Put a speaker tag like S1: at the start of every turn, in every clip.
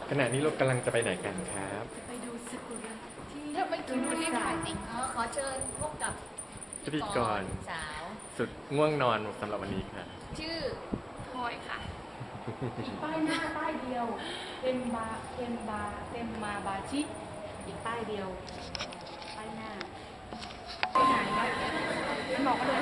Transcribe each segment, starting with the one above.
S1: ขณะนี้เรากำลังจะไปไหนกันครับ
S2: ไปดูซากุระที่
S3: ถ้าไม่ถึงรีบถ่ายจริงขอเชิญพบกับ
S1: พิธีกร
S3: สาว
S1: สุดง่วงนอนสำหรับวันนี้ค่ะ
S3: ชื่อพลอยค่ะ
S2: อีกป้ายหน้าป้ายเดียวเต็มมาบาชิอีกป้ายเดียวป้ายหน้าไปไหนนะฉันบอกก็เลย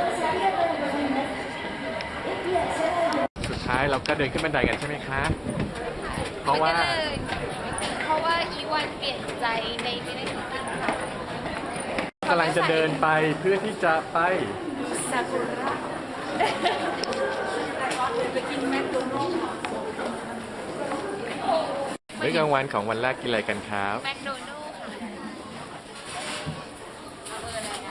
S1: สุดท้ายเราก็เดินขึ้นบันไดกันใช่ไหมคะ เพราะว่า
S3: เพราะว่าอีวันเปลี่ยนใจในไม่ได้ถึงค่ะ
S1: กำลังจะเดินไปเพื่อที่จะไป
S2: ซากุระไปกินแมคโดนัลด์
S1: มื้อกลางวันของวันแรกกินอะไรกันครับ
S3: แมคโดนัลด์ค่ะเอาเบอร์อะไรอ่ะ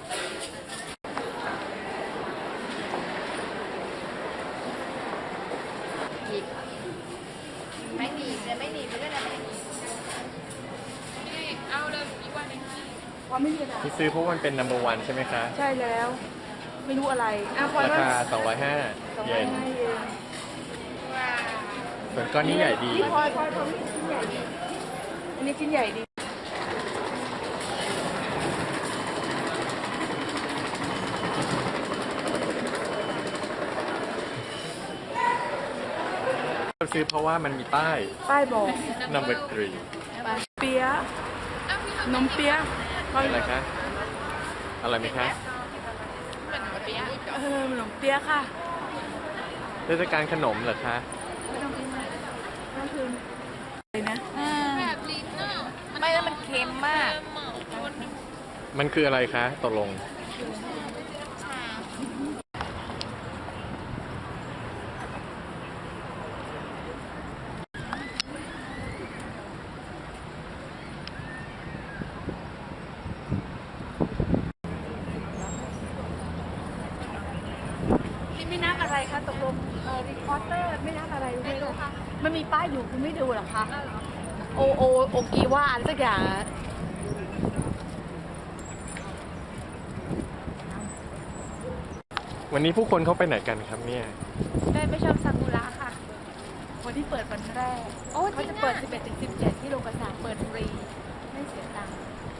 S3: หยิบไม่หนีบเลยไม่หนีบเลยนะไม่หนีบนี่เอาเลยอีวันนึง
S2: ว่าไม่มีอะไร
S1: ที่ซื้อเพราะมันเป็น number one ใช่ไหมคะ
S2: ใช่แล้ว ไม่รู้อะไรพลอย
S1: รา
S2: ว่า
S1: คา 205 เยน
S3: ว้าว
S1: ส่วนก้อนนี้ใหญ่ดี
S2: นี่พลอยชิ้นใหญ่ดีอันนี้ชิ้นใหญ่ดี
S1: เราซื้อเพราะว่ามันมีป้าย
S2: ป้ายบอก
S1: number 3
S2: เปี๊ยะนมเปี๊ยะ
S1: อะไรคะอะไรไหมคะ
S3: เหมือนเปี๊ยะ
S2: ขนมเปี๊ยะค่ะ
S1: เทศกาลขนมเหรอคะ
S2: ไม่ต้องกินเลยก็คืออะไรนะ
S3: แบบลิ้นอ่ะไม่แล้วมันเค็มมาก
S1: มันคืออะไรคะตกลง
S2: นี่ไม่นับอะไรคะตกลงรีพอร์เตอร์ไม่นับอะไรรู้ไหมลูกมันมีป้ายอยู่คุณไม่ดูหรอคะโอกีว่าอะไรสักอย่าง
S1: วันนี้ผู้คนเขาไปไหนกันครับเนี่ย
S3: ได้ไม่ชอบซากุระค่ะ
S2: วันที่เปิดวันแรก
S3: โอ้
S2: เขาจะเปิด 11 ถึง 17 ที่โรงกระสาเปิดฟรี ไม่เสียตังค์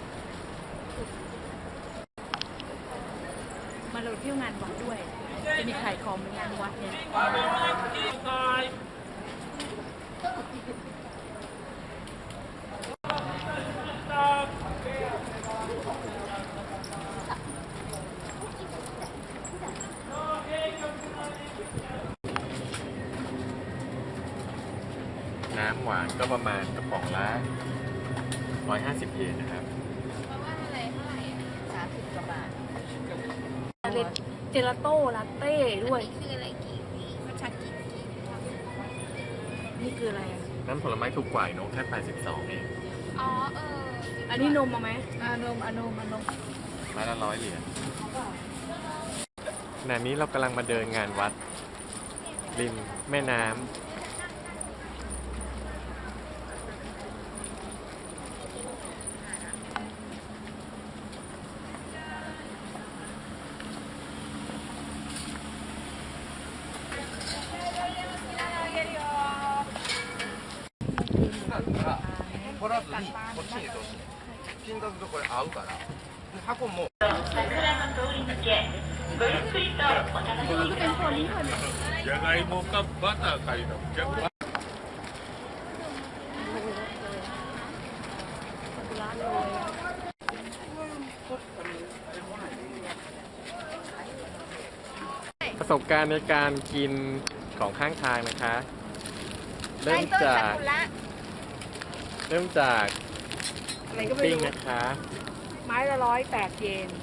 S2: มาเราเที่ยวงานวัดด้วย จะมีขายของในงานวัดเนี่ย
S1: น้ำหวานก็ประมาณกระป๋องละ150 เยนนะครับ
S3: เพราะว่าอะไรเท่าไหร่30 กว่าบาท
S2: เจลาโต้ลาเต้ด้วย
S3: คืออะไรกี่มันชักกี่
S2: นี่คืออะไรอ่ะ
S1: น้ำผลไม้ถูกกว่าเนอะแค่82 เอง
S3: อ๋อ
S2: อันนี้นมมาไหม
S3: นม
S1: ไม้ละ100 เหรียญขณะนี้เรากำลังมาเดินงานวัด ริมแม่น้ำ
S4: 取らずにこっちに通す金額とこれ合うからで箱もじゃがいもかバターかいうのじゃが
S1: ประสบการณ์ในการกินของข้างทางนะคะ เริ่มจาก
S2: อะไรก็ไม่
S1: ปิ้ง
S2: รู้
S1: นะคะ
S2: ไม้ละ108 เยน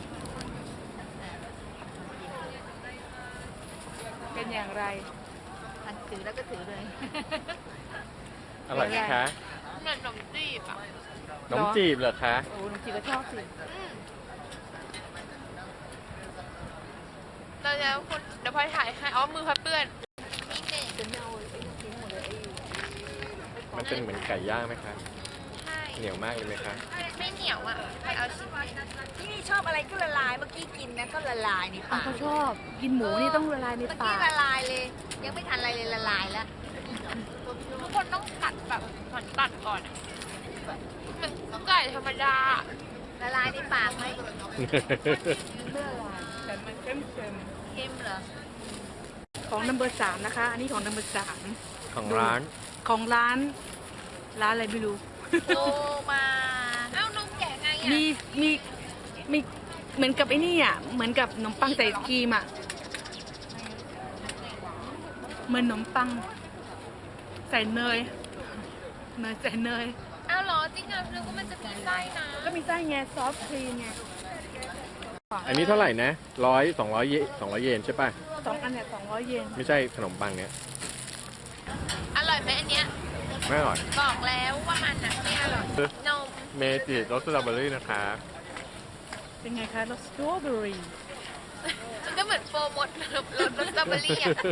S2: เป็นอย่างไร
S3: ถือแล้วก็ถือเลย
S1: อร่อยไหมคะ
S3: เหมือนขนมจีบอ่ะ
S1: ขนมจีบเหรอคะ
S2: โอ้หนูจีก็ชอบสิ
S3: เราจะคุณเดี๋ยวพลอยถ่ายให้อ๋อมือพับเปื้อนนี่เด็ก
S2: จะไม่เอาไอ้ทิ้งหมดเลยไอ้
S1: มันเป็นเหมือนไก่ย่างไหมคะ
S3: ใช่
S1: เหนียวมากเลยไหมคะ
S3: ไม่เหนียวอ่ะพลอยเอาชิ้นนี้
S5: นี่ชอบอะไรก็ละลายเมื่อกี้กินนะก็ละลายในปาก
S2: เขาชอบกินหมูนี่ต้องละลายใน
S5: เมื่อ
S2: ปา
S5: กี้
S2: ก
S5: ละลายเลย ยังไม่ทันอะไรเลยละลายแล้ว
S3: ทุกคนต้องกัดแบบตัดก่อนอะมันไก่ธรรมดา
S5: ละลายในปากไหม
S2: เมื่อวานแต่มันเค็ม
S5: เค็มเหรอ
S2: ๆของนัมเบอร์3นะคะ อันนี้ของนัมเบอร์3
S1: ของร้าน
S2: ของร้านอะไรไม่รู้
S5: โตมา
S3: เอ้านมแกะไงอ่ะ
S2: มีเหมือนกับไอ้นี่อ่ะเหมือนกับขนมปังใส่ครีมอ่ะเหมือนขนมปังใส่เนยใส่เนย
S3: อ้าวเหรอจริงอ่ะนึกว่ามันจะมีไส้นะ
S2: ก็มีไส้ไงซอฟต์ครีมไง
S1: อันนี้เท่าไหร่นะ200 เยนใช่ป่ะ
S2: 2 อันเนี่ย200 เยน
S1: ไม่ใช่ขนมปังเนี้ย
S3: อร่อยไหมอันเนี้ย
S1: ไม่อร่อย
S3: บอกแล้วว่ามันอ่ะไม่อร่อยนม
S1: เมจิรสสตรอเบอรี่นะคะ
S2: เป็นไงคะรสสตรอเบอรี่
S3: มันก็เหมือนโฟร์มดรสสตรอเบอรี่อ่ะ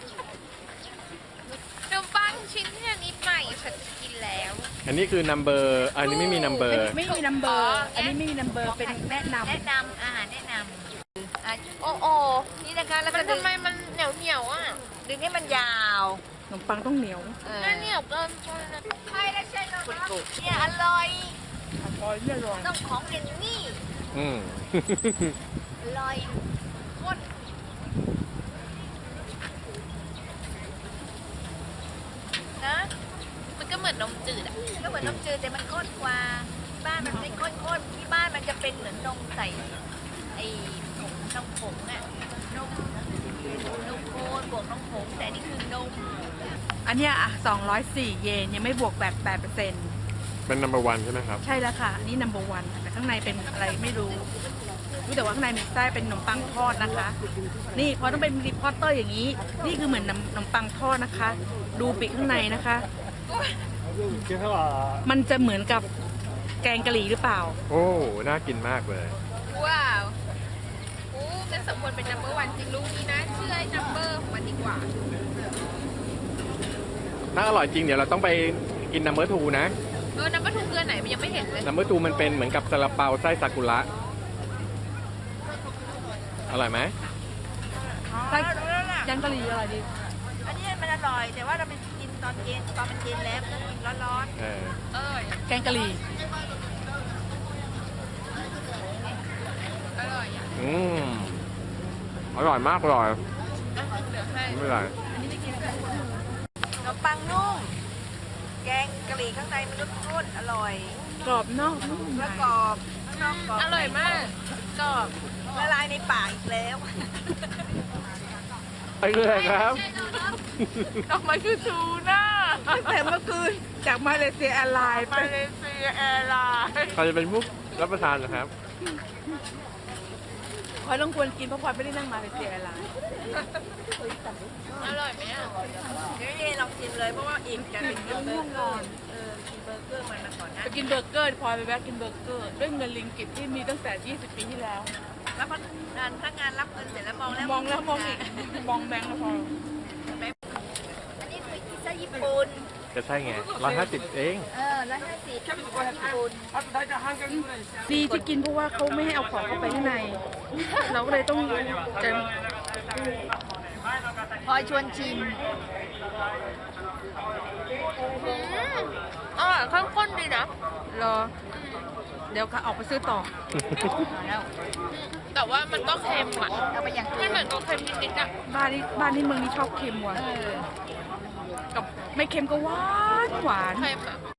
S3: ขนมปังชิ้นที่อันนี้ใหม่ฉันจะกินแล้ว
S1: อันนี้คือนัมเบอร์อันนี้ไม่มีนัมเบอร์
S2: ไม่มีนัมเบอร์อันนี้ไม่มีนัมเบอร์เป็นแนะน
S5: แนะนำอาหารแนะนำโอ้โอนี่นะคะแล้ว
S3: มั
S5: ก็
S3: น
S5: ดึง
S3: ทำไมมันเหนียวอ่ะ
S5: ดึงให้มันยาว
S2: ำขนมปังต้องเหนียว
S3: น่าเหนียวเกินไปนะ
S5: ใช่แล้วใช่แล้วเนี่ยอร่อย
S2: อร่อยไม่อร่อย
S5: ต้องของอย่างนี้
S1: อืม
S5: อร่อยข้นนะ
S3: มันก็เหมือนนมจืดอ่ะ
S5: ก็เหมือนนมจืดแต่มันข้นกว่าที่บ้านมันไม่ข้นที่บ้านมันจะเป็นเหมือนนมใส่ไอ้นมผงอะนมโคนบวกนมผงแต่นี่คือนม
S2: อันเนี้ยอ่ะ204 เยนยังไม่บวกแบบ8%
S1: เป็นนัมเบอร์วันใช่ไหมครับ
S2: ใช่แล้วค่ะอันนี่ number 1แต่ข้างในเป็นอะไรไม่รู้แต่ว่าข้างในมีไส้เป็นขนมปังทอดนะคะ นี่พอต้องเป็นรีพอร์เตอร์อย่างนี้ นี่คือเหมือนขนมปังทอดนะคะ ดูปีกข้างในนะคะ มันจะเหมือนกับแกงกะหรี่หรือเปล่า
S1: โอ้ น่ากินมากเลย
S3: ว้าวโอ้เป็นสมควรเป็น number 1จริงลูกนี้นะเชื่อไอ้ number ของมันดีกว่า
S1: ถ้าอร่อยจริงเดี๋ยวเราต้องไปกินนัมเบอร์ทูนะ
S3: number 2คืออันไหนมันยังไม่เห็นเลย
S1: นัมเบอร์ทูมันเป็นเหมือนกับซาลาเปาไส้ซากุระ อร่อยไหม
S2: ไส้แกงกะหรี่อร่อยดี
S5: อันนี้มันอร่อยแต่ว่าเราไปกินตอนเย็นตอนมันเย็นแล้วมันต้องกินร้อน
S1: เออ
S3: เอ้ย
S2: แกงกะหรี่
S3: อร่อยอ่ะ
S1: อืม อร่อยมากเลย
S3: เดี๋ยวให้
S1: ไม่เป็นไร
S5: ๆขนมปังนุ่มแกงกะหรี่ข้างในมันนุ่มๆอร่อย
S2: กรอบนอกนุ่มใน
S5: แล้วกรอบข้างนอกกรอบ
S3: อร่อยมากกรอบ
S5: ละลายในปากอีกแล้ว
S1: ไปเลยครับ
S3: ออกมาคือทูน่า
S2: แต่เมื่อคืนจากมาเลเซียแอร์ไลน์ไป
S3: มาเลเซียแอร์ไลน์
S1: ใครจะเป็นผู้รับประทานนะครับ
S2: พลอยต้องควรกินเพราะพลอยไม่ได้นั่งมาเลเซียแอร์ไลน์
S3: อร่อยไหมอ่ะ
S5: เดี๋ยวเย็นลองชิมเลยเพราะว่าอิ่มจะเป็นกินเบอร์เกอร์กินเบอร์เกอร์มันมาก่อนนะ
S2: ไปกินเบอร์เกอร์พลอยไปแวะกินเบอร์เกอร์ด้วยเงินลิงกิตที่มีตั้งแต่ 20 ปีที่แล้ว
S5: แล้วพนักงานรับเงินเสร็จแล้วมองแล้ว
S2: มองแล้วมองอีก มองแบงค์แล้วพอ
S5: อันนี้คือพิซซ่าญี่ปุ่น
S1: จะใช่ไง150เอง
S5: 150ญี่ปุ่น
S2: ดีที่กินเพราะว่าเขาไม่ให้เอาของเข้าไปข้างใน เราก็เลยต้องจะ
S5: พลอยชวนชิม
S3: อร่อยข้นๆดีนะ
S2: รอ เดี๋ยวก็ออกไปซื้อต่อ
S3: แต่ว่ามันก็เค็มอ่ะ
S5: เอาไปอย่าง
S3: มันเหมือนกับเค็มนิดๆอ่ะ
S2: บ้านนี้เมืองนี้ชอบเค็มว่ะกับไม่เค็มก็หวานหวาน
S3: เค็มอ่ะ